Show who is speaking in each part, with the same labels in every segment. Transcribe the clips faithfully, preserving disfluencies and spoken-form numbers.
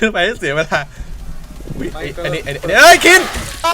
Speaker 1: ขึ้นไปให้เสียเวลาอันนี้อันนี้เอ้ยคิน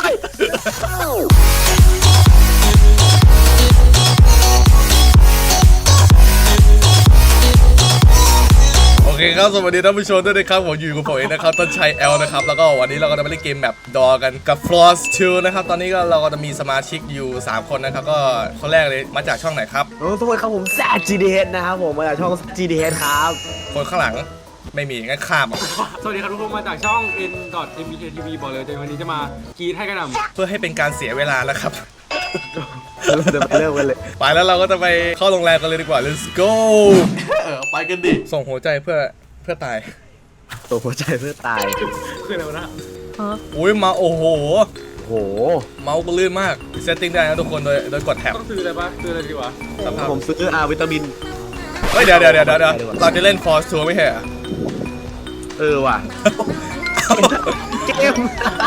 Speaker 1: โอเคครับสวัสดีท่านผู้ชมด้วยนะครับผมอยู่กับผมเองนะครับต้นชัย L นะครับแล้วก็วันนี้เราก็จะมาเล่นเกมแบบดอกันกับ Floors ทูนะครับตอนนี้ก็เราก็จะมีสมาชิกอยู่สามคนนะครับก็คนแรกเลยมาจากช่องไหนครับ
Speaker 2: โอ้สวัสดีครับผมแซด จี ดี เอช นะครับผมมาจากช่อง จี ดี เอช ครับ
Speaker 1: คนข้างหลังไม่มีงั้นข้ามอ่ะ
Speaker 3: สวัสดีครับทุกคนมาจากช่อง เอ็น ดอท เอ็ม บี เค ที วี บอกเลยแต่วันนี้จะมากรีดให้กระหน่ำ
Speaker 1: เพื่อให้เป็นการเสียเวลาแล้วครับ
Speaker 2: เราจะไปเริ่มกันเลย
Speaker 1: ไปแล้วเราก็จะไปเข้าโรงแรมกันเลยดีกว่า let's go
Speaker 4: เออไปกันดิ
Speaker 1: ส่งหัวใจเพื่อเพื่อตาย
Speaker 2: ตัวหัวใจเพื่อตาย
Speaker 3: คืออะไรวะนะ
Speaker 1: อุ้ยมาโอ้โห
Speaker 2: โห
Speaker 1: เมาส์ก็ลื่นมากเซตติ้งได้นะทุกคนโดยโดยกดแท็บ
Speaker 3: ต้องซื้ออะไรปะซื้ออะไรดีวะ
Speaker 2: ผมซื้ออาวิตามิน
Speaker 1: เฮ้ยเดี๋ยวเดี๋ยวเดี๋ยวเดี๋ยวเราจะเล่น Force Tour ไม่ใช่เหรอ
Speaker 2: เออว่ะเกม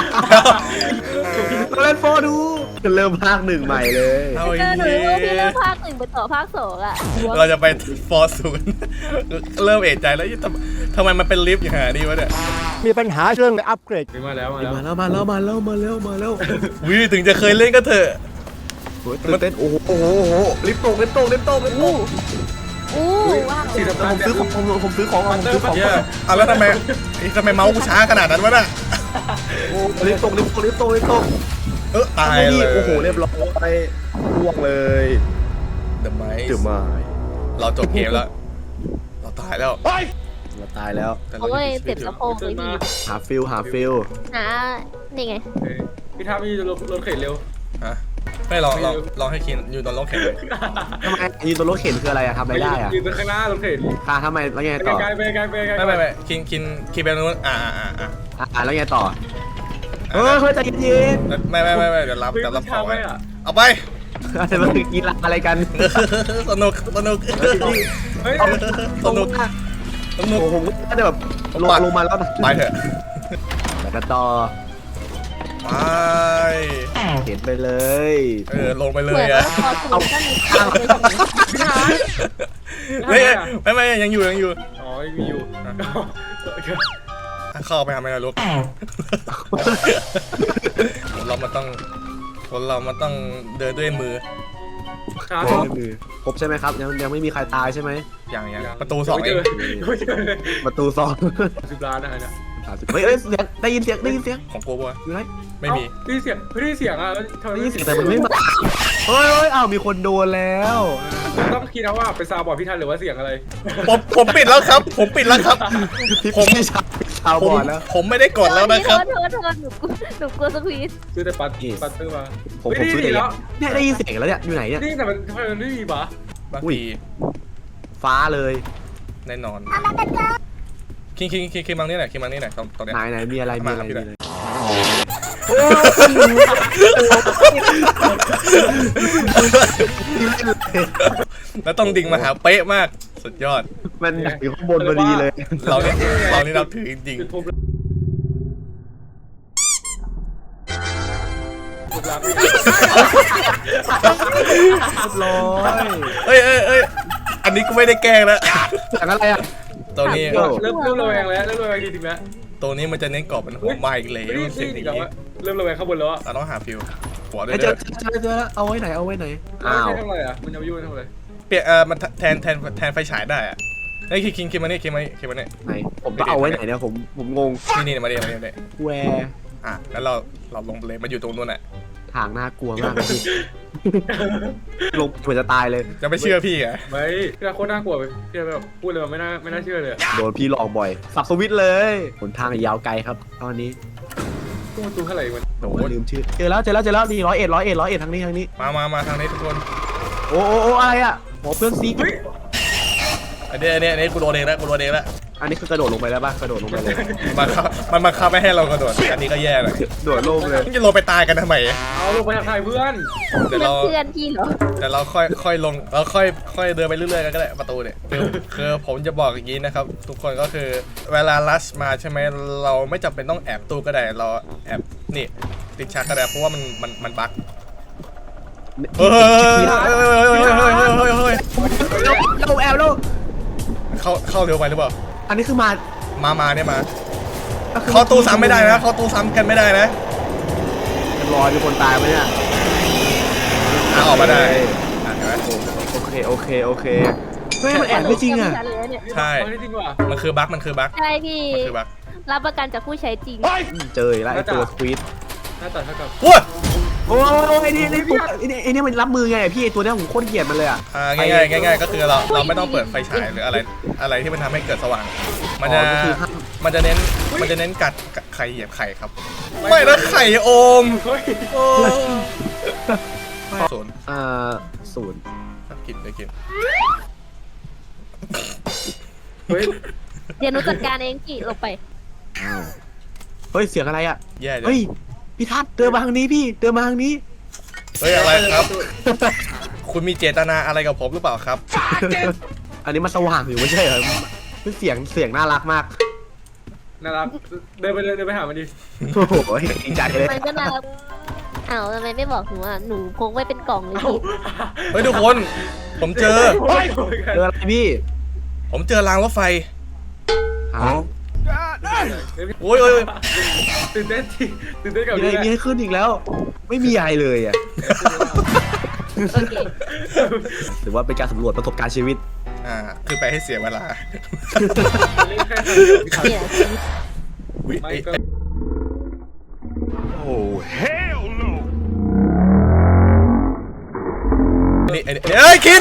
Speaker 2: เราเล่นโฟดูจะเริ่มภาคหนึ่งใหม่เลย
Speaker 1: เอา
Speaker 5: อีกทีพี่เริ่มภาคหนึ่งไปต่อภาคสองอ่ะ
Speaker 1: เราจะไป Force ศูนย์เริ่มเอะใจแล้วทำไมมันเป็นลิฟต์อย่างนี้วะเนี่ย
Speaker 6: มีปัญหาเรื่องอัปเกรด
Speaker 3: มาแล้วมาแล้ว
Speaker 2: มาแล้วมาแล้วมาแล้วมาแล้วมาแล้ว
Speaker 1: วิถึงจะเคยเล่นก็เถอะ
Speaker 2: มันเต้นโอ้โหโอ้โหลิฟต์ตกลิฟต์ตกลิฟต์ตกลิฟต์ตก
Speaker 5: อู้ว้าว
Speaker 2: ผมซื้อของผมผมซื้อของผมซื้อของ
Speaker 1: อ่ะแล้วทำไมทำไมเมาส์กูช้าขนาดนั้นวะน่ะ
Speaker 2: โอ้ลิฟต์ตกลิฟต์ตกลิฟต์ตกลิฟต์ตก
Speaker 1: เออตายเลย
Speaker 2: โอ้โหเรียบร้อยล่วงเลย
Speaker 1: The Mice
Speaker 2: The Mice
Speaker 1: เราจบเกมแล้วเราตายแล้ว
Speaker 2: เราตายแล้ว
Speaker 5: โอ้ยเจ็บสะโพกเลยพี่
Speaker 2: หาฟิลหาฟิล
Speaker 5: หานี่ไง
Speaker 3: พี่ท้าพี่รถรถเข็นเร็ว
Speaker 1: ฮะไม่ลองลองลองให้คินอยู่ตอนรถเข็นเลย
Speaker 2: ทำไมยืนตัวรถเข็นคืออะไรอะทำอะไรได้อะ
Speaker 3: ยืนข้างหน้ารถเข็น
Speaker 2: ค่ะทำไมแล้วไงต่อ
Speaker 3: ไกลไปไกลไปไกล
Speaker 1: ไม่ไม่ไม่คินคินคินไปนู้นอ่าอ่าอ่า
Speaker 2: อ่าแล้วไงต่อเออเฮ้ยใจเย็น
Speaker 1: ไม่ไม่ไม่ไม่เดี๋ยวรับเดี๋ยวรับของไว้เอาไป
Speaker 2: จะมากีฬาอะไรกัน
Speaker 1: สนุกสนุกสนุกสนุก
Speaker 2: ผมก็จะแบบลงลงมาแล้ว
Speaker 1: ไปเถอะ
Speaker 2: แล้วก็ต่อ
Speaker 1: ไป
Speaker 2: เห็นไปเลย
Speaker 1: เออลงไปเลยอะ
Speaker 5: เอาข้าง
Speaker 1: ไม่ไม่ไม่ยังอยู่ยังอยู่
Speaker 3: อ๋อยังอยู่
Speaker 1: เข้าไปทำไมล่ะลูกเรามาต้องคนเรามาต้องเดินด้วยมือ
Speaker 2: ครบใช่ไหมครับยังยังไม่มีใครตายใช่ไหม
Speaker 1: อย่างอย่างประตูสองเอง
Speaker 2: ประตูสอง
Speaker 3: สิบล้านนะฮะ
Speaker 2: เฮ้ยเฮ้ยเสียงได้ยินเสียงได้ยินเสียง
Speaker 1: ของกูป่ะ
Speaker 2: อยู่ไหน
Speaker 1: ไม่มี
Speaker 3: ได้ยินเสียงไม่ได้เสียงอ่ะ
Speaker 2: ได้ยินเสียงแต่มันไม่มาเฮ้ยเฮ้ยอ้าวมีคนโดนแล้ว
Speaker 3: ต้องคิดนะว่าเป็นซาวบอร์ดพี่ทันหรือว่าเสียงอะไร
Speaker 1: ผมผมปิดแล้วครับผมปิดแล้วครับ
Speaker 2: ผมไม่ชาชาวบอร์ดแล้ว
Speaker 1: ผมไม่ได้กดแล้วนะครับ
Speaker 5: โทษโทษหนูหนูกลัวสควีซ
Speaker 3: ซื้อแต่ปัดปัดซื้อมา
Speaker 2: ผมผมซื้อแล้วเนี่ยได้ยินเสียงแล้วเนี่ยอยู่ไหนเนี่ย
Speaker 3: นี่แต่มันทำไมมันไม่มีบ้า
Speaker 1: อุ้ย
Speaker 2: ฟ้าเลย
Speaker 1: แน่นอนคิงคิงคิงคิงมังนี่ไหนคิงมังนี่ไหนตรงตรงนี้
Speaker 2: ไหนไหนมีอะไรมีอะไรมีอะไร
Speaker 1: แล้วต้องดิ่งมาหาเป๊ะมากสุดยอด
Speaker 2: มันอยู่ข้างบนพอดีเลย
Speaker 1: เราเนี่ยเรานี่เราถือจริง
Speaker 2: ร้อย
Speaker 1: เอ้ยเอ้ยเอ้ยอันนี้กูไม่ได้แกล้งแล้ว
Speaker 2: อย่างอะไรอ่ะ
Speaker 1: ตัวนี้
Speaker 3: เริ่มเริ่มระแวงแล้วเริ่มระแวงจริงๆแล้ว
Speaker 1: ตัวนี้มันจะเน้นกรอบเป็นหัวไม้เลย
Speaker 3: เสียงอย่างนี้เริ่มระแวงข้างบนแล้ว
Speaker 1: เราต้องหาฟิวหัวด้วย
Speaker 2: เจอเจอเจอเอาไว้ไหนเอาไว้ไหน
Speaker 3: อ้าวทำอะไรอ่ะมันจะยุ่งทำอะไร
Speaker 1: เปลี่ยนเออมันแทนแทนแทนไฟฉายได้อะไอ้คิงคิงคิงมาเนี่ยคิงมาคิงมาเนี่ย
Speaker 2: ไหนผมจะเอาไว้ไหนเนี่ยผมผมงง
Speaker 1: นี่นี่มาเรียนมาเรียนเลย
Speaker 2: แวร์
Speaker 1: อ่ะแล้วเราเราลงเลยมาอยู่ตรงนู้นอ่ะ
Speaker 2: ทางน่ากลัวมากเลยลงเหมือนจะตายเลย
Speaker 1: จะไม่เชื่อพี่ไง
Speaker 3: ไม่พี่โคตรน่ากลัวพี่แบบพูดเลยไม่น่าไม่น่าเชื่อเลย
Speaker 2: โดนพี่หลอกบ่อยสับสวิตเลยหนทางยาวไกลครับตอนนี้
Speaker 3: ตู้ประตูเท่าไหร่มัน
Speaker 2: โอ้ลืมชื่อเจอแล้วเจอแล้วเจอแล้วดีร้อยเอ็ดร้อยเอ็ดร้อยเอ็ดทางนี้ทางนี้
Speaker 1: มามามาทางนี้ทุกคน
Speaker 2: โอ้โอ้โอ้อะไรอ่ะโอ้เพื่อนซี
Speaker 1: อันนี้อันนี้อันนี้กูโดนเองแล้วกูโดนเองแล้ว
Speaker 2: อันนี้คือกระโดดลงไปแล้วป่ะกระโดดลงไปเลย
Speaker 1: มันมันมาคับไม่ให้เรากระโดดอันนี้ก็แย่เลย
Speaker 2: โดดลงเลย
Speaker 1: จะลงไปตายกันทำไม
Speaker 3: เอาลงไปทางใครเพื่อน
Speaker 1: เดี๋ยวเรา
Speaker 5: เพื่อนพี่เหรอ
Speaker 1: แต่เราค่อยค่อยลงเราค่อยค่อยเดินไปเรื่อยๆกันก็ได้ประตูเนี่ยคือผมจะบอกอย่างนี้นะครับทุกคนก็คือเวลาลัชมาใช่ไหมเราไม่จำเป็นต้องแอบตู้ก็ได้เราแอบนี่ติดฉากก็ได้เพราะว่ามันมันมันบั๊กเฮ้ยเฮ้ยเฮ้ยเฮ้ยเฮ้ยเฮ้ยเฮ้ยเฮ้ย
Speaker 2: เราแอบเรา
Speaker 1: เข้าเข้าเร็วไปหรือเปล่า
Speaker 2: อันนี้คือมา
Speaker 1: มามาเนี่ยมาเขาตู้ซ้ำไม่ได้นะเขาตู้ซ้ำกันไม่ได้นะ
Speaker 2: รอยมีคนตายไหมเนี่ย
Speaker 1: อ่ะออกมาได้อ่ะเห็นไหม
Speaker 2: โอเคโอเคโอเคเฮ้ยมันแอบไม่จริงอ่ะ
Speaker 1: ใช่
Speaker 3: ไม่ได้จริงว่ะ
Speaker 1: มันคือบั๊กมันคือบั๊ก
Speaker 5: ใช่พี่
Speaker 1: มันคือบั๊ก
Speaker 5: รับประกันจากผู้ใช้จริง
Speaker 2: เจออีกแล้วไอ้ตัวสควีด
Speaker 3: หน้าตาเท่ากับ
Speaker 1: ว้า
Speaker 2: โอ้ยไอ้นี่ไอ้นี่ไอ้นี่ไอ้นี่มันรับมือไงพี่ไอ้ตัวเนี้ยผมโคตรเกลียดมันเลยอ่ะ
Speaker 1: อ่าง่ายๆง่ายๆก็คือเราเราไม่ต้องเปิดไฟฉายหรืออะไรอะไรที่มันทำให้เกิดสว่าง มันจะ
Speaker 2: อ๋อก็คือห้าม
Speaker 1: มันจะเน้นมันจะเน้นกัดกัดไข่เหยียบไข่ครับ ไม่นะไข่โอม
Speaker 3: เฮ้ย
Speaker 1: โอ้ศูนย์
Speaker 2: อ่าศูนย์
Speaker 1: กินเลยกิน
Speaker 3: เฮ้ย
Speaker 5: เดี๋ยวหนูจัดการเองกี่ลงไป
Speaker 2: อ้าวเฮ้ยเสียงอะไรอ่ะ
Speaker 1: แย่เลย
Speaker 2: เฮ้ยพี่ทัศน์เดินมาทางนี้พี่เดินมาทางนี้
Speaker 1: เฮ้ยอะไรครับ คุณมีเจตนาอะไรกับผมหรือเปล่าครับ
Speaker 2: อันนี้มันสว่างอยู่ไม่ใช่เหรอเสียงเสียงน่ารักมาก
Speaker 3: น่ารักเดินไปเลยเดินไปหามันดิ
Speaker 2: โอ้โหดีใจเลย
Speaker 5: มันก็น่ารักอ้าวทำไมไม่บอกหนูอ่ะ หนูพกไว้เป็นกล่องเลย
Speaker 3: เอ้า
Speaker 5: พี่
Speaker 1: เฮ้ยทุกคน ผมเจอ
Speaker 3: โอ้ย
Speaker 2: เจออะไรพี่
Speaker 1: ผมเจอรางรถไฟ
Speaker 2: ฮะ
Speaker 1: โอ้ยโอ้ยโอ้ย
Speaker 3: ตื่นเต้นทีตื่นเต้นกับ
Speaker 2: มีอะไร
Speaker 3: นี่
Speaker 2: มีให้ขึ้นอีกแล้ว ไม่มีอะไรเลยอ่ะ
Speaker 5: โอเค
Speaker 2: หรือว่าเป็นการสำรวจประสบการณ์ชีวิต
Speaker 1: อ่า คือไปให้เสียเวลา
Speaker 5: เนี่ย
Speaker 1: อุ๊ย
Speaker 3: ไม่
Speaker 1: เอ้ย
Speaker 3: ก็
Speaker 1: นี่ไอ้เอ้ยคิน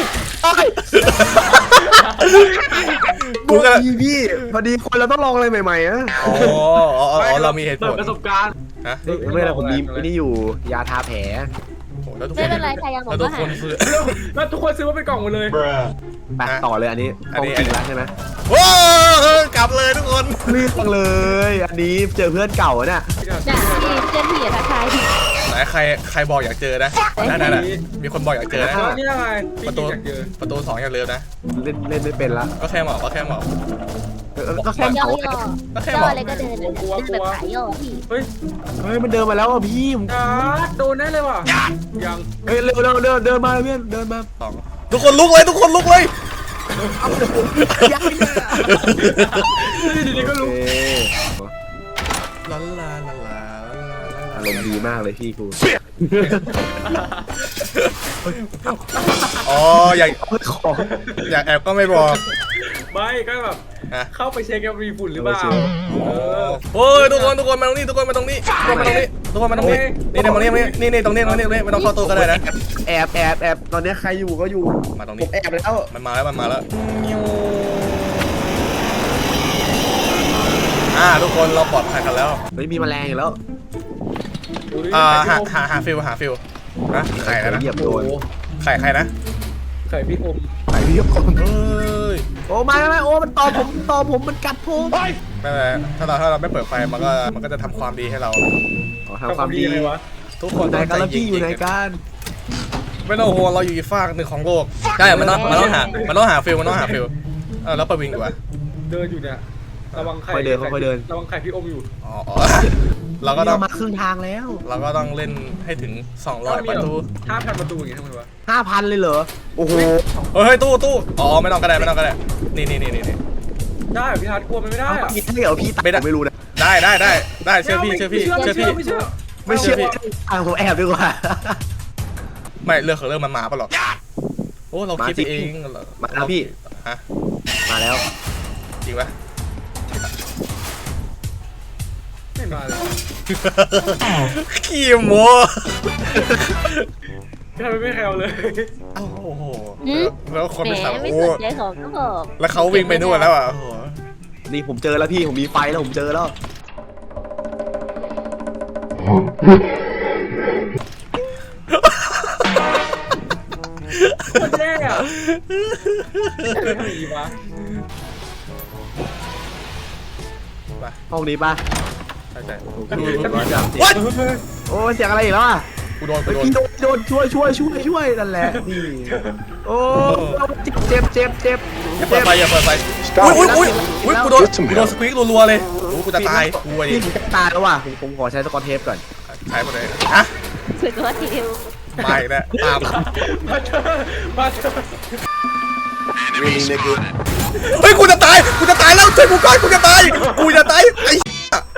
Speaker 1: กูก็
Speaker 2: พี่พี่พอดีคนเราต้องลองอะไรใหม่ๆอ่ะ
Speaker 1: อ๋ออ๋ออ๋อเรามีเหตุผ
Speaker 3: เปิด
Speaker 1: ล
Speaker 3: ประสบการณ์
Speaker 1: ฮะ
Speaker 2: ไม่เป็นไรผมมีไอ้นี่อยู่ยาทาแผล
Speaker 1: โอ้แล้วทุกค
Speaker 5: ไม่
Speaker 1: น
Speaker 5: เป็นไรใครยังบอ
Speaker 1: แล้วทุ
Speaker 5: กว่าก หา
Speaker 1: คนซื้อ
Speaker 3: แล้วทุกคนซื้อมาเป็นกล่องหมดเลย
Speaker 2: ไปต่อเลยอันนี้
Speaker 1: อันนี้
Speaker 2: ต้องจริงแล้วใช่ไหม
Speaker 1: โอ้กลับเลยทุกคน
Speaker 2: รีบจังเลย อันนี้เจอเพื่อนเก่าอะเนี่ย
Speaker 5: น่ะพี่เพื่อนพี่อย่าทักทายพี่
Speaker 1: ไหนใครใครบอกอยากเจอนะนั่นน่ะมีคนบอกอยากเจอนะ
Speaker 3: แล้วนี่อะไร
Speaker 1: ประตู
Speaker 3: อยากเจอ
Speaker 1: ประตูสองอย่าลืมนะ
Speaker 2: เล่นเล่นไม่เป็นละ
Speaker 1: ก็แค่หมอกก็แค่หมอก
Speaker 2: เออก็แค่
Speaker 5: ย่อ
Speaker 2: เขา
Speaker 5: ย่อ
Speaker 1: ก็แค่
Speaker 5: ย่
Speaker 1: บ
Speaker 5: อ
Speaker 1: อก
Speaker 5: อะไรก็เดินเดินแบบขายย่อพี่
Speaker 3: เฮ้ย
Speaker 2: เฮ้ยมันเดินมาแล้วอ่ะพี่ผม
Speaker 3: จ้าโดนแน่เลยว่ะยัง
Speaker 2: เฮ้ยเร็วเร็วเดินเดินมาเพื่อนเดินมา
Speaker 1: สองทุกคนลุกเลยทุกคนลุกเลย
Speaker 2: ยักษ์เนี่ย
Speaker 3: ดีๆก็รู้
Speaker 2: โอเค
Speaker 1: ลาลาลาลา
Speaker 2: อารมณ์ดีมากเลยพี่กู
Speaker 1: อ๋ออยาก
Speaker 2: ของ
Speaker 1: อยากแอบก็ไม่บอก
Speaker 3: ไม่ก็แบบ
Speaker 1: ฮะ
Speaker 3: เข้าไปเช็คว่ามีฝุ่นหรือเปล่าเออ
Speaker 1: โอ้ยทุกคนทุกคนมาตรงนี้ทุกคนมาตรงนี้ทุกคนมาตรงนี้ทุกคนมาตรงนี้นี่นี่มาตรงนี้นี่นี่ตรงนี้ตรงนี้ตรงนี้ไม่ต้องเข้าตู้ก็ได้นะ
Speaker 2: แอบแอบแอบตอนนี้ใครอยู่ก็อยู่
Speaker 1: มาตรง
Speaker 2: ผ
Speaker 1: นี้
Speaker 2: มแอบแล้ว
Speaker 1: มันมาแล้วมันมาแล้วอ่าทุกคนเราปลอดภัยกันแล้ว
Speaker 2: เฮ้ยมีแมลงอีกแล้ว
Speaker 1: อ่าหาหาหาฟิลหาฟิลนะไข่แล้วนะ
Speaker 2: เหยียบโดน
Speaker 1: ไข่ใครนะ
Speaker 3: ไข่พี่อม
Speaker 2: ไข่พี่ยกคน
Speaker 1: เอ้ย
Speaker 2: โอ้ไม่ไม่โอ้มันตอมผมตอมผมมันกัดผม
Speaker 1: ไม่เป็นไรถ้าเราถ้าเราไม่เปิดไฟมันก็มันก็จะทำความดีให้เรา
Speaker 2: ขอทำความดี
Speaker 3: เลยวะ
Speaker 1: ทุก
Speaker 2: ค
Speaker 1: คน
Speaker 2: นไหนกันแล้วพี่อยู่ไหน
Speaker 1: น
Speaker 2: กัน
Speaker 1: ไม่ต้องห่วงเราอยู่อีกฝากหนึ่งของโลกใช่มันต้องมันต้องหามันต้องหาฟิลมันต้องหาฟิลเออแล้วประวิงดีกว่า
Speaker 3: เดินอยู่เนี่ยระวังไข่
Speaker 2: ค่อยเดินค่อยเดิน
Speaker 3: ระวังไข่พี่อมอยู่
Speaker 1: อ๋ออ๋อเราก็ต้อง
Speaker 2: มาครึ่งทางแล้ว
Speaker 1: เราก็ต้องเล่นให้ถึงสองร้อยประตู
Speaker 3: ห้าพันประตูอย่างงี้ทำไมวะ
Speaker 2: ห้าพันเลยเหรอโอ้โห
Speaker 1: เฮ้ยตู้ตู้อ๋อไม่ต้องก็ได้ไม่ต้องก็ได้นี่นี่นี่นี่นี่
Speaker 3: ได้เหรอพี่ทัศน์กลัวมันไม่ได้
Speaker 2: เอา
Speaker 3: อะ
Speaker 2: พี่ให้เหรอพี่ตัดผมไม่รู้นะ
Speaker 1: ได้ได้ได้ได้เชื่อพี่เชื่อพี่เชื่อพี่
Speaker 3: ไม่เชื่อ
Speaker 2: ไม่เชื่ออ่ะผมแอบดีกว่า
Speaker 1: ไม่เรื่องของเรื่องมันมาปะหรอกโอ้เราคิดไปเอง
Speaker 2: มาแล้วพี่
Speaker 1: ฮะ
Speaker 2: มาแล้ว
Speaker 1: จริงปะ
Speaker 3: ไม่มาเลย
Speaker 1: ขี้โม
Speaker 3: พี่ทัศน์ไม่แคลเลย
Speaker 1: โอ้โห
Speaker 5: หืม
Speaker 1: แล้วคน
Speaker 5: แห
Speaker 1: เป็น
Speaker 5: ม
Speaker 1: สาว
Speaker 5: ไม่
Speaker 1: โอ้
Speaker 5: สนใจของก็บอก
Speaker 1: แล้วเขาวิ่งไปนู่นแล้วอ่ะโอ้โห
Speaker 2: นี่ผมเจอแล้วพี่ผมมีไฟแล้วผมเจอแล้ว
Speaker 3: คนแย่อะทำไมดีวะ
Speaker 1: ไป
Speaker 2: ห้องนี้ป่ะ
Speaker 1: ใช่ใช่
Speaker 2: วัดโอ้เสียงอะไรอีกแล้วอ่ะ
Speaker 1: กูโดนกูโดน
Speaker 2: พี่โดนโดนช่วยช่วยช่วยช่วยนั่นแหละนี่โอ้เจ็บเจ็บเจ็บ
Speaker 1: อย่าเปิดไฟอย่าเปิดไฟอุ้ยอุ้ยอุ้ยอุ้ยกูโดนกูโดนสควิกรัวๆเลยโอ้กูจะตายกูอะดิ
Speaker 2: พี่ผมจะตายแล้วว่ะผมผมขอใช้สกอตเทปก่อน
Speaker 1: ใช้หมดเลยฮะ
Speaker 5: คือตัวทีเดียว
Speaker 1: ไม่นะตาม
Speaker 3: มาเถอะมาเถอะ
Speaker 2: วิ่งเลยกู
Speaker 1: เฮ้ยกูจะตายกูจะตายแล้วช่วยกูก่อนกูจะตายกูจะตายไอ้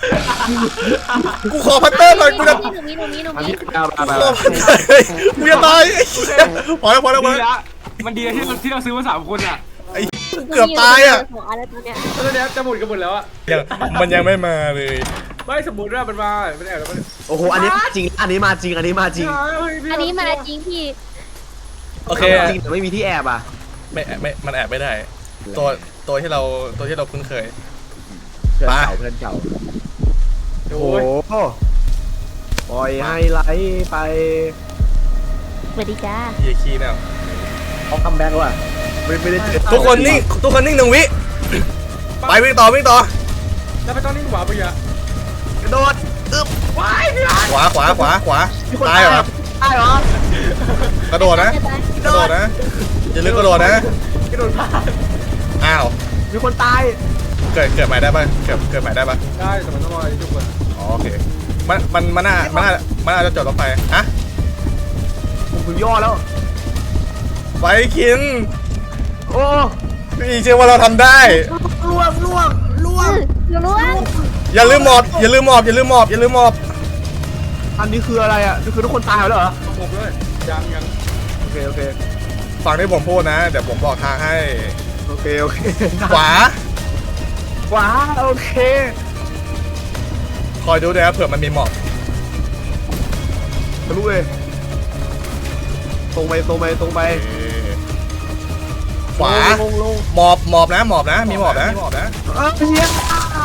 Speaker 1: กูขอพัตเตอร์หน่อยกูจะ
Speaker 5: หนูมีหนูมีหนู
Speaker 2: อัน
Speaker 5: มี
Speaker 2: นี้เอา
Speaker 1: กู
Speaker 2: มา
Speaker 1: ขอพัตเตอร์กูจะตายไอ้เหี้ยพอแล้วพอแล้วพอ
Speaker 3: ดี
Speaker 1: แล้ว
Speaker 3: ละมันดีนะที่เราที่เราซื้อมาสามคนอ่ะ
Speaker 1: ไอ้เกือบตายอ่ะ
Speaker 5: สองอันแล้วตัวเนี้ย
Speaker 3: ตอนนี้จะหมดกันหมดแล้วอ่ะ
Speaker 1: ยังมันยังไม่มาเลย
Speaker 3: ไม่สมมติว่ามันมามันแอบแล้วมัน
Speaker 2: โอ้โหอันนี้จริงอันนี้มาจริงอันนี้มาจริง
Speaker 5: อันนี้มาจริงพี่
Speaker 1: โอเค
Speaker 2: จริงแต่ไม่มีที่แอบอ่ะ
Speaker 1: ไม่ไม่มันแอบไม่ได้ ตัวตัวที่เราตัวที่เราคุ้นเคย
Speaker 2: เพื่อน
Speaker 1: ไป
Speaker 2: เก่าเพื่อนเก่าโอ้
Speaker 3: โอ้ย
Speaker 2: โหปล่อยให้ไหลไป
Speaker 5: สวัสดีจ้า
Speaker 1: เฮียขี้แนว
Speaker 2: เขาคัมแบ็กว่ะไม่ไม่ได้เจอ
Speaker 1: ทุกคนนิ่งทุกคนนิ่งหนึ่งวิไปวิ่งต่อวิ่งต่อ
Speaker 3: แล้วไปตอนนี้หวาไปอ่ะ
Speaker 2: กระโดดอึ๊บว้ายพี่รัน
Speaker 1: ขวาขวาขวาขวา
Speaker 2: มีคน
Speaker 1: ตายเหรอ
Speaker 2: ตายเหรอก
Speaker 1: ระโดดนะกระโดดนะอย่าลืมกระโดดนะ
Speaker 3: กระโดดผ่าน
Speaker 1: อ้าว
Speaker 2: มีคนตาย
Speaker 1: เกิดเกิดใหม่ได้ป่ะเกิดเกิดใหม่ได้ป่ะ
Speaker 3: ได้แต่มันต้องรอไอ้ทุกคน
Speaker 1: อ๋อโอเคมันมันมันน่ามันน่ามันน่าจะจอดรถไฟฮะ
Speaker 2: ผมถึงย่อแล้ว
Speaker 1: ไฟคิน
Speaker 2: โอ้
Speaker 1: พี่เชื่อว่าเราทำได้
Speaker 2: ล่วงล่วงล่วง
Speaker 5: หนูรู้ว่า
Speaker 1: อย่าลืมหมอบอย่าลืมหมอบอย่าลืมหมอบอย่าลืมหมอบ
Speaker 2: อันนี้คืออะไรอ่ะนี่คือทุกคนตายแล้วเหรอ
Speaker 3: ต้องผมด้วยยังยัง
Speaker 2: โอเคโอเค
Speaker 1: ฟังที่ผมพูดนะเดี๋ยวผมบอกทางให้
Speaker 2: โอเคโอเค
Speaker 1: ขวา
Speaker 2: ขวาโอเค
Speaker 1: คอยดูด้วยนะเผื่อมันมีหมอบ
Speaker 2: ทะลุเลยตรงไปตรงไปตรงไป
Speaker 1: ขวา
Speaker 2: ลงลง
Speaker 1: หมอบหมอบนะหมอบนะมีหมอบนะหมอบนะ
Speaker 2: เออเฮีย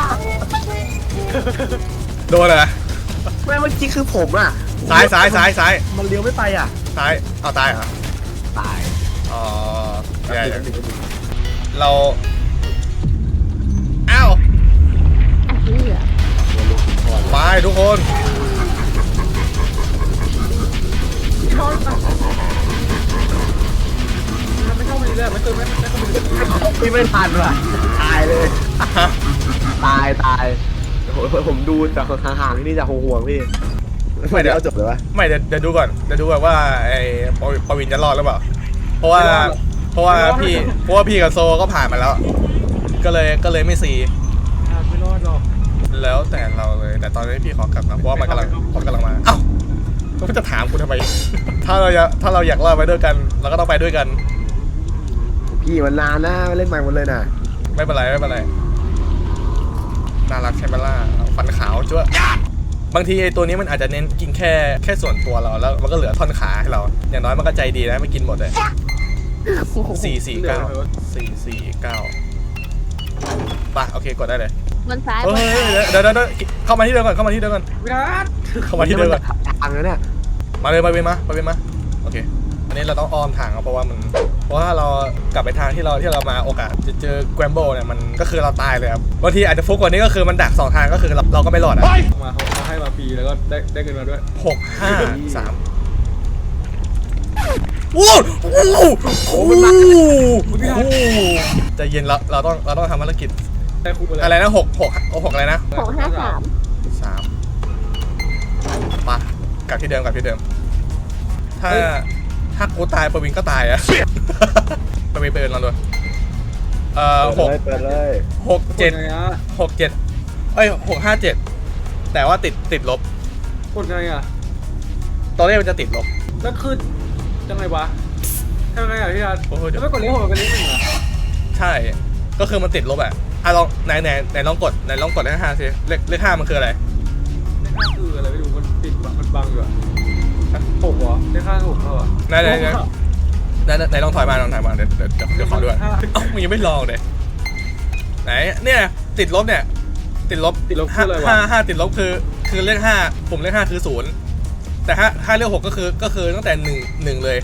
Speaker 1: โดนอะไร
Speaker 2: แม่เมื่อกี้คือผมอ่ะ
Speaker 1: ซ้ายซ้ายซ้ายซ้าย
Speaker 2: มันเลี้ยวไม่ไปอ่ะ
Speaker 1: ซ้ายเอาตายเหรอ
Speaker 2: ตาย
Speaker 1: อ๋อใช่เราอ้าว
Speaker 5: อ่ะพี่เหรอ
Speaker 1: ไปทุกคน
Speaker 3: ไม่เข้ามาเลยไม่เติมไม่ไม่เข้ามาเลย
Speaker 2: พี่ไม่ทันว่ะตายเลย
Speaker 1: ฮะ
Speaker 2: ตายตายโอ้โหผมดูจากห่างๆนี่จากห่วงๆพี่ไม่เดี๋ยวเอาจบเลยวะ
Speaker 1: ไม่เดี๋ยวเดี๋ยวดูก่อนเดี๋ยวดูก่อนว่าไอ้ปวิปวินจะรอดหรือเปล่าเพราะว่าเพราะว่าพี่เพราะว่าพี่กับโซก็ผ่านมาแล้ว ก็เลยก็เลยไม่ซี
Speaker 3: ไม่รอดหรอก
Speaker 1: แล้วแต่เราเลยแต่ตอนนี้พี่ขอกลับนะเพราะว่ามันกำลังมันกำลังมาเอ้าก็จะถามคุณทำไม ถ้าเราอยากถ้าเราอยากรอดไปด้วยกันเราก็ต้องไปด้วยกัน
Speaker 2: พี่มันนานนะเล่นใหม่หมดเลยนะ
Speaker 1: ไม่เป็นไรไม่เป็นไรน่ารักใช่ไหมล่ะฟันขาวจ้วะบางทีไอ้ตัวนี้มันอาจจะเน้นกินแค่แค่ส่วนตัวเราแล้วมันก็เหลือท่อนขาให้เรา อย่างน้อยมันก็ใจดีนะไม่กินหมดเลยสี่สี่เก้าสี่สี่เก้าไปโอเคกดได้เลย
Speaker 5: บนซ้าย
Speaker 1: เฮ้
Speaker 5: บ
Speaker 1: ย
Speaker 5: นซ้าย
Speaker 1: เดี๋ยวเดี๋ยวเดี๋ยวเข้ามาที่เดิมก่อนเข้ามาที่เดิมก่อน
Speaker 3: วิรัต
Speaker 1: เข้ามาที่เดิมก่อน
Speaker 2: ทางแล้วเนี่ย
Speaker 1: มาเลยมาเวนมามาเวนมาโอเคอันนี้เราต้องอ้อมทางเอาเพราะว่ามันเพราะว่าเรากลับไปทางที่เราที่เรามาโอกาสจะเจอแกรมโบเนี่ยมันก็คือเราตายเลยครับบางทีอาจจะฟุกกว่านี้ก็คือมันดักสองทางก็คือเราเราก็ไม่รอดอ่ะ
Speaker 3: มาเขาเขาให้มาฟรีแล้วก็ได้ได้เงินมาด้วย
Speaker 1: หกห้าสามโอ้โหโอ้โหใจเย็นเราเราต้องเราต้องทำภารกิจ
Speaker 3: ได้คุกไปเลย
Speaker 1: อะไรนะหกหกหกอะไรนะ
Speaker 5: หกห้าสาม
Speaker 1: สามปะกลับที่เดิมกลับที่เดิม ถ้าถ้ากูตายประวินก็ตายอะ ประวินเปิดลองดูเอ่อหก
Speaker 2: เปิดเลย
Speaker 1: หกเจ็ด
Speaker 3: ไงอ่ะ
Speaker 1: หกเจ็ดเอ้ยหกห้าเจ็ดแต่ว่าติดติดลบ
Speaker 3: กดไงอ่ะ
Speaker 1: ตัวเลขมันจะติดลบ
Speaker 3: แล้วคือยังไงวะทำไงอ่ะพี่รัต
Speaker 1: โอ้โห
Speaker 3: แล้วไม่กดเลี้ยงหัวกันเลี้ยงหนึ่งอ่ะ
Speaker 1: ใช่ ก็คือมันติดลบอะอ่ะลองไหนไหนไหนลองกดไหนลองกดเลขห้าสิเลขเลขห้ามันคืออะไร
Speaker 3: เลขห้าคืออะไรไม่รู้มันปิดมันบังอยู่อ่ะหกเหรอเลขห้าหกเขาอ่ะ
Speaker 1: ไหนไหนไหนไหนไหนลองถอยมาลองถอยมาเดี๋ยวเดี๋ยวเดี๋ยวเดี๋ยวขอด้วยเอ้ามึงยังไม่ลองเลยไหนเนี่ยติดลบเนี่ยติดลบ
Speaker 3: ติดลบคืออะไรวะ
Speaker 1: ห้าห้าติดลบคือคือเลขห้าผมเลขห้าคือศูนย์แต่ถ้าถ้าเลขหกก็คือก็คือตั้งแต่หนึ่งหนึ่งเลย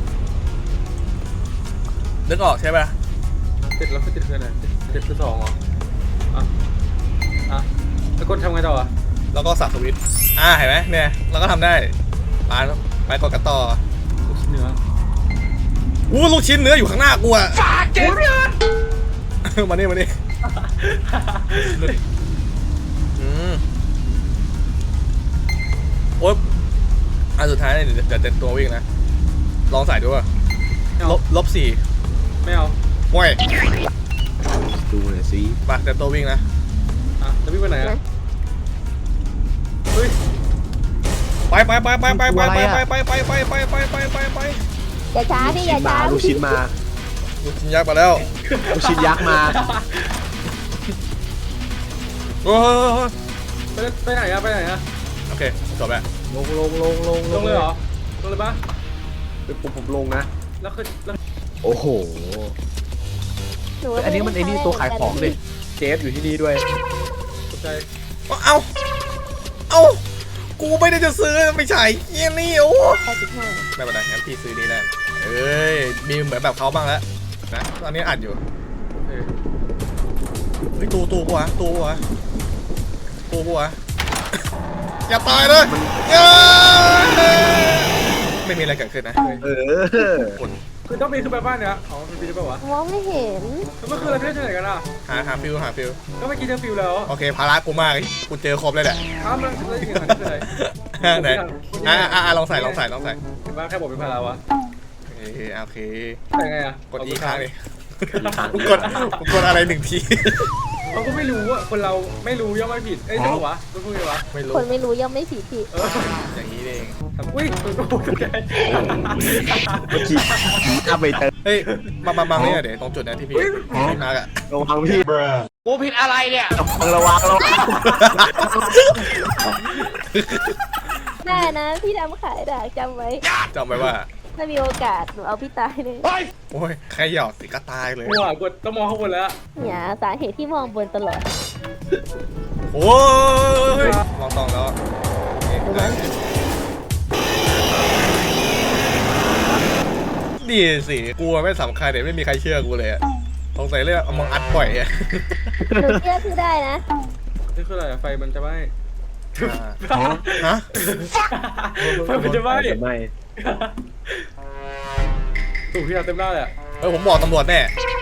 Speaker 1: นึกออกใช่ปะ
Speaker 3: ติดแล้วก็ติดคืออะไรติดคือสองเหรออ่ะอ่ะแล้วกดทำไงต่ออ่ะ
Speaker 1: แล้วก็สับสวิตช์อ่าเห็นไหมเนี่ยเราก็ทำได้ไปไปกดกันต่อ
Speaker 3: ลูกชิ้นเนื้อ
Speaker 1: อู้ลูกชิ้นเนื้ออยู่ข้างหน้ากูอะ
Speaker 3: เจ็บเลย
Speaker 1: มานี่มานี่อืมโอ๊ยอันสุดท้ายเนี่ยเดี๋ยวเดี๋ยวเต็มตัววิ่งนะลองใส่ดูว่าลบลบสี่
Speaker 3: ไม่เอา
Speaker 1: ห่วย
Speaker 2: ดูหน่อยสิ
Speaker 1: มาเต็มตัววิ่งนะ
Speaker 3: อ่ะแล้วพี่ไปไหนอ่ะ
Speaker 1: ไปไปไปไปไปไปไปไปไปไปไปไปไปไป
Speaker 5: อย่าช้าดิอย่าช้า
Speaker 2: ลูกชิ้นมา
Speaker 1: ลูกชิ้นยักษ์มาแล้ว
Speaker 2: ลูกชิ้นยักษ์มา
Speaker 1: โอ้
Speaker 3: ไปไปไหนอะไปไหนอะ
Speaker 1: โอเคจบแล้ว
Speaker 2: ลงลงลงลง
Speaker 3: ลงเลยเหรอลงเลยปะ
Speaker 2: ผมผมลงนะ
Speaker 3: แล้วคือแล้ว
Speaker 2: โอ้โห
Speaker 5: หนู
Speaker 2: อันนี้มันไอ้นี่ตัวขายของเลยเจฟอยู่ที่นี่ด้วย
Speaker 3: ตกใจ
Speaker 1: เอาเอากูไม่ได้จะซื้อไม่ใช่เยี่ยนี่โอ้
Speaker 5: แปดสิบห้า
Speaker 1: ไม่เป็นไรงั้นพี่ซื้อนี้แน่เอ้ยมีเหมือนแบบเขาบ้างแล้วนะตอนนี้อัดอยู่
Speaker 3: โอเค
Speaker 1: เฮ้ยตูตูกูวะตูกูวะตูกูวะอย่าตายเลยอย่าไม่มีอะไรเกิดขึ้นนะ
Speaker 2: เออ
Speaker 1: อุ่น
Speaker 3: คือต้องปีนขึ้นไปบ้านเนี้ยอ๋อมันปีนได้ปะวะ
Speaker 5: มองไม่เห็น
Speaker 3: แล้วเมื่อคืนเราเที่ยวที่ไหนกันอะ
Speaker 1: หาหาฟิวหาฟิว
Speaker 3: ก็เมื่อกี้เจอฟิวแล้ว
Speaker 1: โอเคภาระกูมากกูเจอครบเลยแหละ
Speaker 3: อ้าวมันแล้วจริงๆมันคืออะไร
Speaker 1: ไหนอ่าอ่าลองใส่ลองใส่ลองใส่
Speaker 3: เห็นปะแค่บอกเป็นพาราวะ
Speaker 1: เออโอเค
Speaker 3: ใส่ไงอะ
Speaker 1: กดอีกครั้งเลยกูกดกูกดอะไรหนึ่งที
Speaker 3: เขาก็ไม่รู้ว่าคนเราไม่รู้ย่อมไม่ผิดเอ้ยใช่ปะวะต้องพูดไงวะ
Speaker 1: ไม่รู้
Speaker 5: คนไม่รู้ย่อมไม่ผิดผิด
Speaker 3: เออ
Speaker 1: อย่างนี้เอง
Speaker 3: อุ้ยตัวโตตัวใหญ่
Speaker 2: เมื่อกี้ผีอาไปเติม
Speaker 1: เฮ้ยมามามาเนี่ยเดี๋ยวตรงจุดนั้นที่พี่พี่มาร์กอะ
Speaker 2: ลงทางพี่
Speaker 4: กูผิดอะไรเนี่ย
Speaker 2: ระวังระวัง
Speaker 5: ได้นะพี่ดำขายด่าจำไว้
Speaker 1: จำไว้ว่า
Speaker 5: ถ้ามีโอกาสหนูเอาพี่ตายเลย
Speaker 1: โอ้ยใครหยอกสิก็ตายเลย
Speaker 3: หัวกดต้องมองข้างบนแล้ว
Speaker 5: เนี่ยสาเหตุที่มองบนตลอด
Speaker 1: โอ้ยลองตองแล้วดีสิกูไม่สำคัญเดี๋ยวไม่มีใครเชื่อกูเลยอะสงสัยเรื่องเอามองอัดบ่อยอะ
Speaker 5: หนูเชื่อพี่ได้นะ
Speaker 3: นี่คืออะไรอะไฟมันจะไหม้
Speaker 1: ฮะ
Speaker 3: ไฟมันจะไหม้
Speaker 2: ไม่
Speaker 3: ถูกพี่เอาเต็มหน้าเลยอะ
Speaker 1: เออผมบอกตำรวจแน่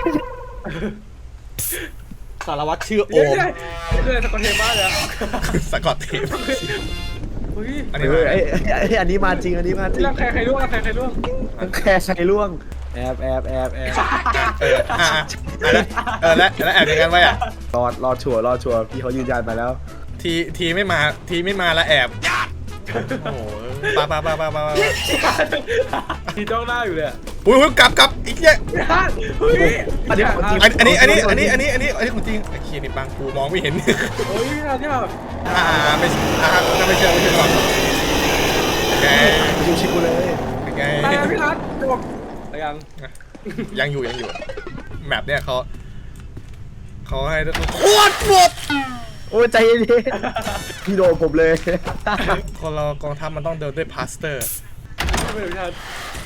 Speaker 1: สารวัตรชื่อโอ
Speaker 3: เฮ้ย
Speaker 1: ม
Speaker 3: นี่คืออะไรสกอตเทปบ้านเลยอะ
Speaker 1: สกอตเทป
Speaker 3: เฮ้ย
Speaker 1: อัน
Speaker 2: เอ
Speaker 1: นี้
Speaker 2: อ
Speaker 1: มา
Speaker 2: ไอ้ไอ้อันนี้มาจริงอันนี้มาจริง
Speaker 3: รังใครใครร่วงรังใครใครร่วง
Speaker 2: ทั้งแค่ใช้ล่วงแอบแอบแอบแอบ
Speaker 1: เอออ่ะเออแล้วแล้วแอบอย่างนั้นไว้อะ
Speaker 2: รอรอชัวร์รอชัวร์พี่เขายืนยันมาแล้ว
Speaker 1: ทีทีไม่มาทีไม่มาแล้วแอบโอ้โหปาปาปาปาปา
Speaker 3: ทีจ้องหน้าอยู่เลยอะ
Speaker 1: อุ้ยกลับกลับอีกเนี้ย
Speaker 3: เฮ้ย
Speaker 2: อันนี้ของจริง
Speaker 1: อันนี้อันนี้อันนี้อันนี้อันนี้อันนี้ของจริงไอ้เคียนี่บางกูมองไม่เห็น
Speaker 3: เฮ้ยพี่นันที่แบบ
Speaker 1: อ่าไม่อ่าไม่เชื่อไม่เชื่อหรอกไง
Speaker 2: ดูชิกูเลย
Speaker 1: ไง
Speaker 3: ตายแล้วพี่นัทจบอะไรยัง
Speaker 1: ยังอยู่ยังอยู่แมปเนี่ยเขาเขาให้โคตรหมด
Speaker 2: โอ้ยใจเย็นพี่โดนผมเลย
Speaker 1: คนเรากองทัพมันต้องเดินด้วยพาสเตอร์
Speaker 3: ไม่เป็นพี่นัท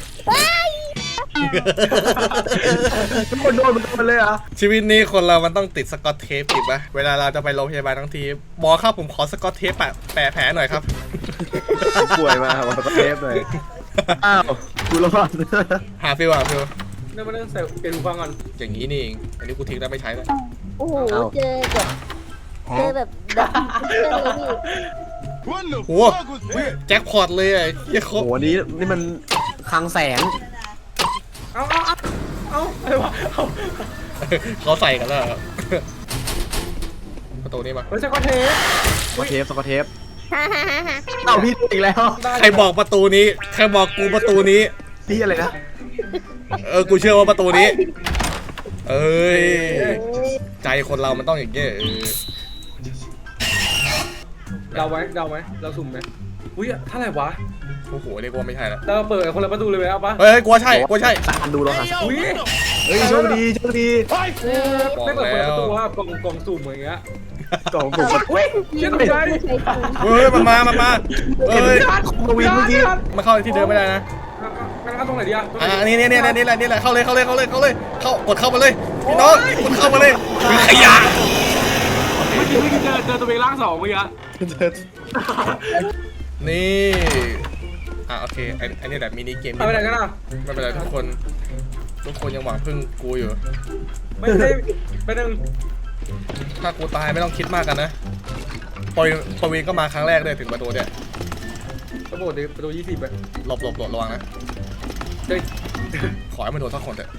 Speaker 2: ทุกคนโดนมันโดนเลยเหรอ
Speaker 1: ชีวิตนี้คนเรามันต้องติดสกอตเทปติดปะเวลาเราจะไปโรงพยาบาลทั้งทีหมอครับผมขอสกอตเทปแปะแปะแผลหน่อยครับ
Speaker 2: ป่วยมาวันประเทศเลยอ้าวกูรอด
Speaker 1: หาฟิวหาฟิว
Speaker 3: เนี่ยมาเล่นใส่เปลี่ยนหูฟังก่อน
Speaker 1: อย่างนี้นี่เองอันนี้กูทิ้งแล้วไม่ใช้แล้ว
Speaker 5: โอ้โหเจอแบบเจอแบบดับเจอเลยพี่
Speaker 1: โหแจ็คพอตเลยอ่ะเฮีย
Speaker 2: โห
Speaker 1: เขา
Speaker 2: นี้นี่มันคลังแสง
Speaker 3: เอาเอาเอาเอาอะไรวะเอา
Speaker 1: เขาใส่กันแล้วเหรอประตูนี้มา
Speaker 3: เฮ้ยสกอตเทป
Speaker 2: สกอตเทปสกอตเทป
Speaker 5: ฮ่าฮ่าฮ่าฮ่า
Speaker 2: เอ้าพี่อีกแล้ว
Speaker 1: ใครบอกประตูนี้ใครบอกกูประตูนี้
Speaker 2: พี่อะไรนะ
Speaker 1: เออกูเชื่อว่าประตูนี้ เอ้ย
Speaker 5: เอ้ย
Speaker 1: ใจคนเรามันต้องอย่างเงี้ยเออ
Speaker 3: เดาไว้เดาไว้เราสุ่มไหมอุ้ยเท่าไหร่วะ
Speaker 1: โอ้โหเรียกว่าไม่ใช่แล้ว
Speaker 3: เราเปิดคนละประตูเลยไหมเอาปะ
Speaker 1: เฮ้ยกลัวใช่กลัวใช่
Speaker 2: สักดูลองหา
Speaker 3: อุ้ย
Speaker 2: เฮ้ยโชคดีโชคดี
Speaker 3: ไม่เปิดคนละประตูว่ากล่องกล่องสุ่มอย่างเงี้ย
Speaker 2: กล่องผม
Speaker 3: อุ้ยเชื่อตกใจ
Speaker 5: ไม่ใช่จริง
Speaker 1: เฮ้ยมันมามันมาเฮ้ย
Speaker 2: ของกวินเมื่อกี้
Speaker 1: มาเข้าที่เดิมไม่ได้นะ
Speaker 3: งั้นเอาตรงไหนดีอะตรงไหน
Speaker 1: อ่า
Speaker 3: ดี
Speaker 1: นี่นี่นี่นี่แหละนี่แหละเข้าเลยเข้าเลยเข้าเลยเข้าเลยเข้ากดเข้ามาเลยพี่น้องกดเข้ามาเลยมีขยะ
Speaker 3: เมื่อกี้เมื่อกี้เจอเจอตัวเองร่างสองเมื่อกี้
Speaker 1: นี่อ่ะโอเคไอ้ไอ้นี่แบบมินิเกม
Speaker 3: เอาไปไหนกันอ่ะ
Speaker 1: ไม่เป็นไรทุกคนทุกคนยังหวังพึ่งกูอยู่
Speaker 3: ไม่ได้ไปหนึ่ง
Speaker 1: ถ้ากูตายไม่ต้องคิดมากกันนะปอยปวีนก็มาครั้งแรกเลยถึงประตูเนี่ย
Speaker 3: ระบบดิประตูยี่สิบไป
Speaker 1: หลบหลบหลบระวังนะ
Speaker 3: เฮ้ย
Speaker 1: ขอให้มันโดนสักคนเถอะ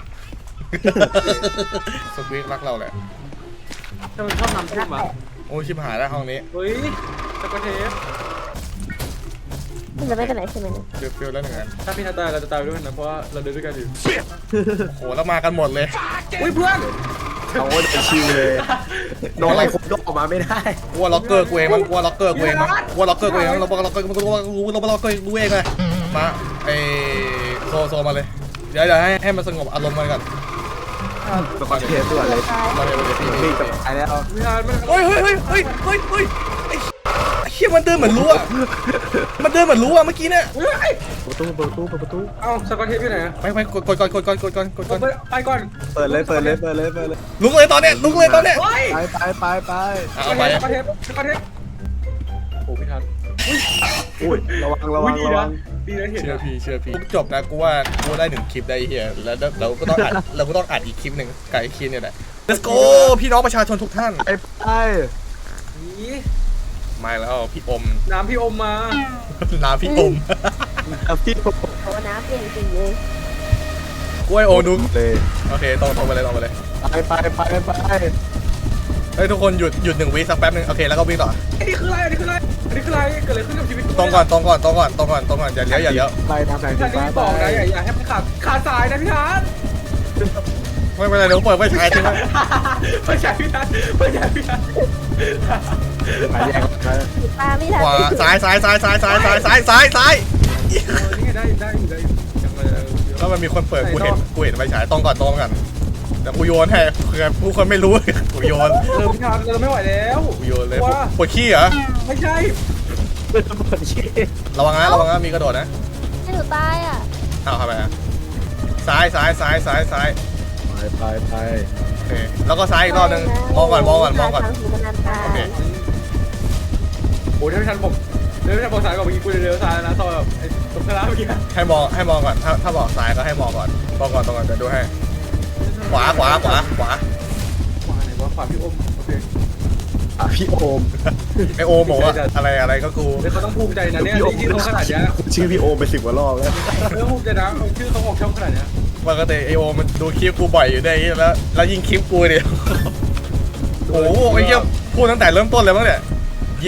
Speaker 1: สควีกรักเราแหละ
Speaker 3: ทำไมชอบนำทุ่มอ่ะ
Speaker 1: โอ้ยชิบหายแล้วห้องนี้
Speaker 3: เฮ้ยสกอตเทป
Speaker 5: มันจะไม่เป็นไรใช่ไหมเนี่ย
Speaker 1: ฟิลฟิลแล้วหนึ่งอัน
Speaker 3: ถ้าพี่ทัดตายเราจะตายด้วยกันนะเพราะว่าเราเดินด้วยกันอยู่
Speaker 1: โอ้โหแล้วมากันหมดเลย
Speaker 3: อุ้ยเพื่อน
Speaker 2: เอาโอ้ยชิวเลยน้องอะไรผมยกออกมาไม่ได้
Speaker 1: กลัวล็อกเกอร์กูเองมั้งกลัวล็อกเกอร์กูเองมั้งกลัวล็อกเกอร์กูเองมั้งเราบอกล็อกเกอร์กูรู้เราบอกล็อกเกอร์กูเองเลยมาไอโซโซมาเลยเดี๋ยวเดี๋ยวให้ให้มันสงบอารมณ์มันก่อน
Speaker 2: สกอตเทสด่วนเลย
Speaker 1: มาเลยมาเลยพี่
Speaker 2: นี่
Speaker 1: พี่
Speaker 2: จะตายแล้ว
Speaker 3: พี่ทัดมัน
Speaker 1: เฮ้ยเฮ้ยเฮ้ยเฮ้ยเฮ้ยเฮ้ยไอ้ไอ้เหี้ยมันเดินเหมือนรู้อะมันเดินเหมือนรู้อะเมื่อกี้เนี่ย
Speaker 2: ประตูประตูประตู
Speaker 3: เอ้าสกอตเทปอยู่ไหนอะ
Speaker 1: ไปไปกดกดก่อนกดก่อนกดก่อนกดก่อน
Speaker 3: ไปก่อน
Speaker 2: เปิดเลยเปิดเลยเปิดเลยเปิดเลย
Speaker 1: ลุกเลยตอนเนี้ยลุกเลยตอนเนี้ย
Speaker 3: เฮ้ย
Speaker 2: ไปไปไปไป
Speaker 1: เอาไป
Speaker 3: สกอตเทปสกอตเทปโอ้พี่ทัด
Speaker 2: อุ้ยระวังระวัง
Speaker 3: ดี
Speaker 2: ระ
Speaker 3: นะ
Speaker 2: วัง
Speaker 3: ดีนะเห็น
Speaker 1: เชื่อ
Speaker 3: นะ
Speaker 1: พี่เชื่อพี่จบนะกูว่ากูได้หนึ่งคลิปได้เฮียแล้วเราก็ต้องอัดเราก็ต้องอัดอีกคลิปหนึ่งกับไอ้คลิปเนี่ยแหละ let's go พี่น้องประชาชนทุกท่าน
Speaker 2: ไปไป
Speaker 3: นี่
Speaker 1: มาแล้วพี่อม
Speaker 3: น้ำพี่อมมา
Speaker 1: น้ำพี่อม
Speaker 2: พี่ผม
Speaker 5: โอ้น้ำเปลี่ยนสีเลย
Speaker 1: กล้วยโอนุ
Speaker 2: เลย
Speaker 1: โอเคตรงตรงไปเลยตรงไปเลย
Speaker 2: ไปไปไปไป
Speaker 1: เฮ้ยทุกคนหยุดหยุดหนึ่งวิสักแป๊บหนึงโอเคแล้วก็วิ่งต่อ
Speaker 3: อันนี้คืออะไรอันนี้คืออะไรอันนี้คืออะไรเกิดอะไรขึ้นกับชีวิต
Speaker 1: ตรงก่อนตรงก่อนตรงก่อนตรงก่อนตรงก่อนอย่าเลี้ยวอย่าเลี้ยว
Speaker 2: ไปทางไหน
Speaker 3: พี่ทัด
Speaker 2: ไป
Speaker 3: ที่
Speaker 2: ไป
Speaker 3: บอกนะอย่าอย่าให้มันขาดขาดสายนะพี่ทัด
Speaker 1: ไม่เป็นไรเดี๋ยวเปิดไฟฉายทิ้งไว้
Speaker 3: ไม่ใช่พี่ทัดไม่ใช่พี่ทัด
Speaker 2: ไปแยกไป
Speaker 5: ปลาไม่ทัน
Speaker 1: ขวาซ้ายซ้ายซ้ายซ้ายซ้ายซ้ายซ้ายซ้ายซ้าย
Speaker 3: เออนี่ไงได้ได้อยู่ได้อยู่ยังไงเออ
Speaker 1: แล้วมันมีคนเปิดกูเห็นกูเห็นไฟฉายตรงก่อนตรงก่อนแต่กูโยนให้เผื่อผู้คนไม่รู้กูโยน
Speaker 3: เออพี่ทัดเราไม่ไหวแล้ว
Speaker 1: กูโยนเลย
Speaker 3: ว่า
Speaker 1: ปวดขี้เหรอ
Speaker 3: ไม่ใช่
Speaker 2: เปิดเปิดชี้
Speaker 1: ระวังนะระวังนะมีกระโดดนะ
Speaker 5: ให้หนูตายอ่ะ
Speaker 1: เอาเข้าไปนะซ้ายซ้ายซ้ายซ้ายซ้าย
Speaker 2: ไปไปไป
Speaker 1: โอเคแล้วก็ซ้ายอีกรอบนึงมองก่อนมองก่อนมองก่อน
Speaker 5: ทางหูมันอันตรา
Speaker 1: โอย เค
Speaker 3: โอ้ยถ้าพี่ทัดบอกเดี๋ยวพี่ทัดบอกสายก่อนเมื่อกี้กูเร็วๆสายนะซอยแบบไอ้ตรงกระลาเมื่อกี้
Speaker 1: ให้มองให้มองก่อนถ้าถ้าบอกซ้ายก็ให้มองก่อนมองก่อนตรงก่อนจะดูให้ขวาขวาขวาขวา
Speaker 3: ขวาไหนวะขวาพี่อมโอเค
Speaker 2: อ่ะพี่โอม
Speaker 1: ไอโอมบอกว่าอะไรอะไรก็กู
Speaker 3: เดี๋ยวเขาต้องภูมิใจนะเนี่ยที่เขาขนาดเนี้ย
Speaker 2: ชื่อพี่โอมไปสิบกว่ารอบแล้ว
Speaker 3: เออภูมิใจนะเอาชื่อเขาออกช่องขนาดเนี้ย
Speaker 1: ปกติไอโอมมันดูคลิปกูบ่อยอยู่ได้แล้วแล้วยิงคลิปกูเนี่ยโอ้โหไอ้เหี้ยพูดตั้งแต่เริ่มต้นเลยมั้งเนี่ยเย้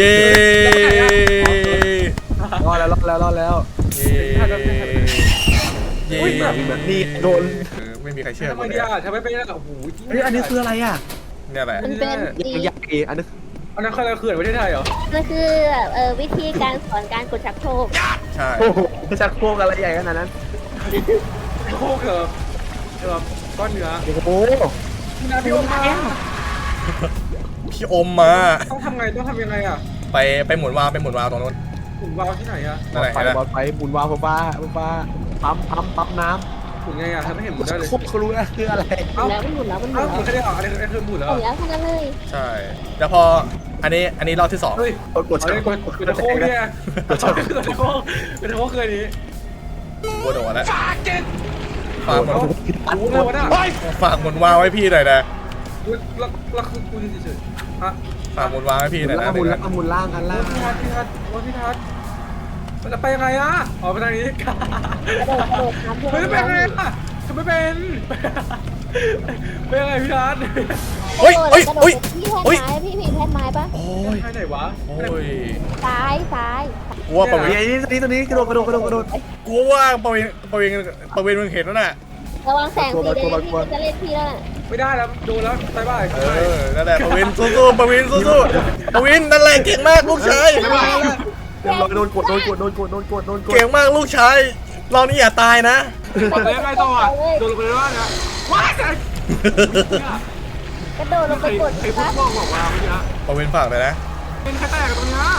Speaker 2: รอดแล้วรอดแล้วรอดแล้ว
Speaker 1: เย้เย้
Speaker 2: นี่โดน
Speaker 1: เออไม่มีใครเชื่อ
Speaker 3: ทำไม
Speaker 1: กูเล
Speaker 3: ดี
Speaker 1: ย
Speaker 3: อ่ะทำไมเป็นอ่ะโอ้โห
Speaker 2: เฮ้ยอันนี้คืออะไรอ่ะ
Speaker 1: เนี่ยแหละ
Speaker 5: มันเป็นสี
Speaker 2: ยังยักษ์เองอันนี้
Speaker 3: อันนั้นคืออะไรเขื่อนประเทศไทยเหรอ
Speaker 5: มันคือแบบเออวิธีการสอนการกดชักโครก
Speaker 1: ใช่
Speaker 2: โอ้โหชักโครกอะไรใหญ่ขนาดนั้น
Speaker 3: โคกเหรอเหรอก้อนเนื้อ
Speaker 2: โอ้โห
Speaker 3: พี่นาพี่อมมา
Speaker 1: พี่อมมา
Speaker 3: ต้องทำไงต้องทำยังไงอ่ะ
Speaker 1: ไปไปหมุนวาล์วไปหมุนวาล์วตรงนู้น
Speaker 3: หมุนวาล์วที่ไหนอ่ะ
Speaker 1: นั่นแหละ
Speaker 2: ไฟ
Speaker 1: เห็นไหม
Speaker 2: บอลไฟบุญวาวฟ้าฟ้าปั๊มปั๊มปั๊มน้
Speaker 3: หมุนไงอ่ะทำให้เห็นหมุน
Speaker 2: ำ
Speaker 3: ได้เลย
Speaker 2: โครกเขารู้นะคืออะไร
Speaker 5: หมุนแล้วมันหมุนแล้วมันหมุ
Speaker 3: อ้าวน หมุ
Speaker 5: แล้ว
Speaker 3: นแค่ได้เหรออันนี้อันนี้คือหมุนแล้ว
Speaker 5: หมุนแล้วทั้งนั้นเลย
Speaker 1: ใช่แล้วพออันนี้อันนี้รอบที่สอง
Speaker 3: เฮ้ย
Speaker 2: กด
Speaker 3: เอา
Speaker 2: ชัก
Speaker 3: เลย
Speaker 2: โค
Speaker 3: ก
Speaker 2: ร
Speaker 3: ด
Speaker 2: ก
Speaker 3: กดตะโคกเนี่ยกดตะโคกกดตะโคกกดตะโคกคืออันนี้
Speaker 1: กูโดดแล้ว
Speaker 3: ฝากเจ็ด
Speaker 1: ฝากหมุน
Speaker 3: โอ้โหเลยวะเนี่ย
Speaker 1: ฝากหมุนวาล์วไว้พี่หน่อยนะ
Speaker 3: แล้วแล้วคือกูเฉยๆฮะ
Speaker 1: ฝากหมุนวาล์วไว้พี่หน่อยนะ
Speaker 2: หมุนล่างหมุนล่างอันล่าง
Speaker 3: พี่ทัศน์พี่ทัศน์ว่าพี่ทัศน์มันจะไปยังไงอ่ะอ๋อไปทางนี้
Speaker 5: กระโดดกระโดดน้ำท่วม
Speaker 3: เฮ้ยไปยังไงอ่ะทำไม่เป็นไปยังไงพี่ทัศน์
Speaker 1: เฮ้ยเฮ้ย
Speaker 5: กระโด
Speaker 1: เฮ้ย
Speaker 5: ดพี่
Speaker 1: เฮ้ย
Speaker 5: แทนไม้พี่ผีแทนไม้ปะ
Speaker 1: โอ้ย
Speaker 3: ไปไหนวะ
Speaker 1: โอ้ย
Speaker 5: ซ้ายซ้าย
Speaker 1: กูว่าประวิ
Speaker 2: เฮ้ยนี่ตัวนี้ตัวนี้กระโดดกระโดดกระโดดกระโดด
Speaker 1: กูว่าประวิประวิประวิมึงเห็นแล้วน่ะ
Speaker 5: ระวังแสงสีแดง
Speaker 2: กลัว
Speaker 5: พี่
Speaker 2: กลัว
Speaker 5: จะเล่นพี่แล้วน่ะ
Speaker 3: ไม่ได้แล้วโดนแล้วบายบาย
Speaker 1: เออนั่นแหละประวินสู้ๆประวินสู้ๆประวินนั่นแหละเก่งมากลูกชาย
Speaker 2: เดี๋ยวโดนกดโดนกดโดนกดโดนกดโดนกด
Speaker 1: เก่งมากลูกชายเรานี่อย่าตายนะ
Speaker 3: กดเลยไงต่ออ่ะโดนลงไปเลยว่าเนี่ยว้ายแต่
Speaker 5: กระโดดลงไปกด
Speaker 3: ไอ้พวก
Speaker 5: ปะ
Speaker 3: พวกบอกว่าเมื่อกี้
Speaker 1: ประวินฝากเลยนะ
Speaker 3: เป็นแค่แตกกับตรงนี้นะ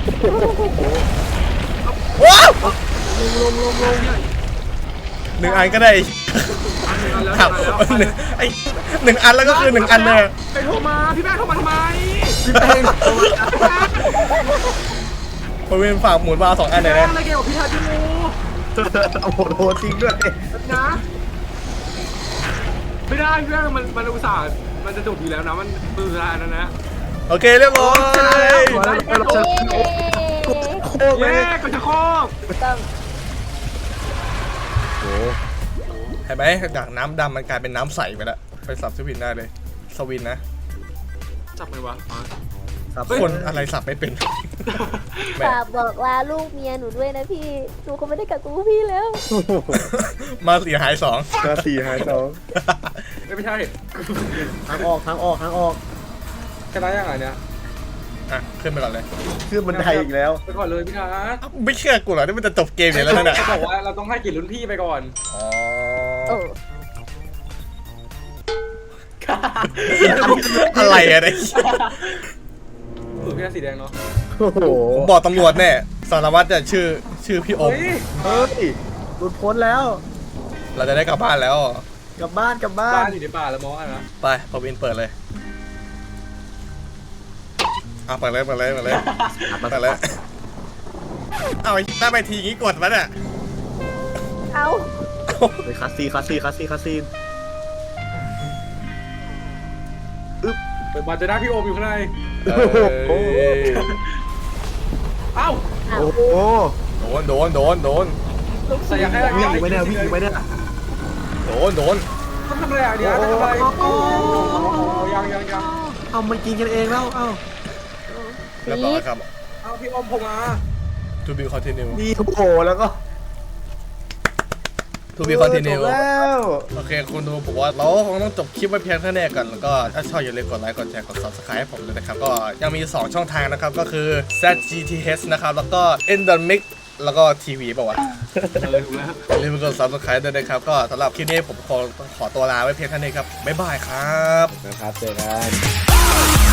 Speaker 1: ว้าวหนึ่งอันก็ได้ครับไอ้หนึ่งอันแล้วก็คือหนึ่งอันเลย
Speaker 3: ไปโทรมาพี่แม่โทรมาทำไม
Speaker 2: พี่แป้ง
Speaker 1: ประวินฝากหมุนวาล์วสองอันเลย
Speaker 3: แม่
Speaker 1: นะ
Speaker 3: อะไรเกี่ยวกับพี่ทัศน์พี่มู
Speaker 2: โอ้โหโดนจริงด้วย
Speaker 3: นะไม่ได้พี่แม่มันมันอุตส่าห์มันจะจบอยู่แล้วนะมันมือสุดท้ายแล้วนะ
Speaker 1: โอเคเรียบร้อย
Speaker 5: เย้
Speaker 2: โคตรเล
Speaker 3: เย้
Speaker 2: ย
Speaker 3: กระชากโคก
Speaker 5: ต้อง
Speaker 1: เห็นไหมจากน้ำดำมันกลายเป็นน้ำใสไปแล้วไปสับสวินได้เลยสวินนะ
Speaker 3: จับไงวะมา
Speaker 2: ครับ
Speaker 1: คนอะไรสับไม่เป็นแม่
Speaker 5: ฝากบอกลาลูกเมียหนูด้วยนะพี่ หนูคงไม่ได้กลับกับพวกพี่แล้ว
Speaker 1: มาเสียหายสอง
Speaker 2: มาสี่หายสอง
Speaker 3: ไม่ไม่ใช่
Speaker 2: ทางออกทางออกทางออก
Speaker 3: ชนะยังไงเนี่ย
Speaker 1: อ่ะขึ้นไปก่อนเลย
Speaker 2: ขึ้นบันไดอีกแล้ว
Speaker 3: ไปก่อนเลยพี่ทัศน์
Speaker 1: อ้าวไม่เชื่อกูเหรอนี่มันจะจบเกมอยู่แล้วนั่นน่ะ
Speaker 3: เขาบอกว่าเราต้องให้เกียรติรุ่นพี่ไปก่อน
Speaker 1: อ๋อ
Speaker 5: โอ้
Speaker 1: อะไรอะเนี่ย
Speaker 3: สูตรพี่ทัศน์สีแดงเนาะ
Speaker 2: โอ้โห
Speaker 1: ผมบอกตำรวจแน่สารวัตรจะชื่อชื่อพี่อม
Speaker 3: เฮ้ย
Speaker 2: เฮ้ยหลุดพ้นแล้ว
Speaker 1: เราจะได้กลับบ้านแล้ว
Speaker 2: กลับบ้านกลับบ้า
Speaker 3: บ้าน นอยู่ในป่าแล้วมองอะไรนะ
Speaker 1: ไปพอวินเปิดเลยอ่ะเปิดเลยเปิดเลยเปิดเลยเปิดเลยเอาไอ้หน้าไปทีงี้กดมันอ่ะ
Speaker 5: เอา
Speaker 2: ไปคาซีคาซีคาซีคาซี
Speaker 3: เปิดมาเจะได้พี่โอมอยู่ข้างใน
Speaker 1: เอ้ย
Speaker 3: เอ้า
Speaker 5: เอา
Speaker 2: โอ้โห
Speaker 1: โดนโดนโดนโดน
Speaker 3: ใส่อยากให้
Speaker 2: วิ่งอีกไหมเนี่ยวิ่งอีกไหมเนี่ย
Speaker 1: โดนโดน
Speaker 3: ต้องทำอะไรอ่ะเนี่ยต้องทำอะไรโอ้ยังยังยัง
Speaker 2: เอามันกินกันเองแล้วเอ้า
Speaker 1: เรียบร้อยครับ
Speaker 3: เอ้าพี่โอมผมมา
Speaker 1: to be continue
Speaker 2: นี่โอ้โหแล้วก็
Speaker 1: to be continue
Speaker 2: จบแล้ว
Speaker 1: โอเคคุณดูผมว่าเราคงต้องจบคลิปไว้เพียงเท่านี้ก่อนแล้วก็ถ้าชอบอย่าลืมกดไลค์กดแชร์กด subscribe ให้ผมด้วยนะครับก็ยังมี สอง ช่องทางนะครับก็คือ แซด จี ที เอช นะครับแล้วก็ Endemic แล้วก็ทีวีป่าวะ
Speaker 3: เออถูกแล้ว
Speaker 1: อย่าลืมกด subscribe ด้วยนะครับก็สำหรับคลิปนี้ผมขอขอตัวลาไว้เพียงเท่านี้ครับบ๊ายบายครับ
Speaker 2: นะครับเจอกัน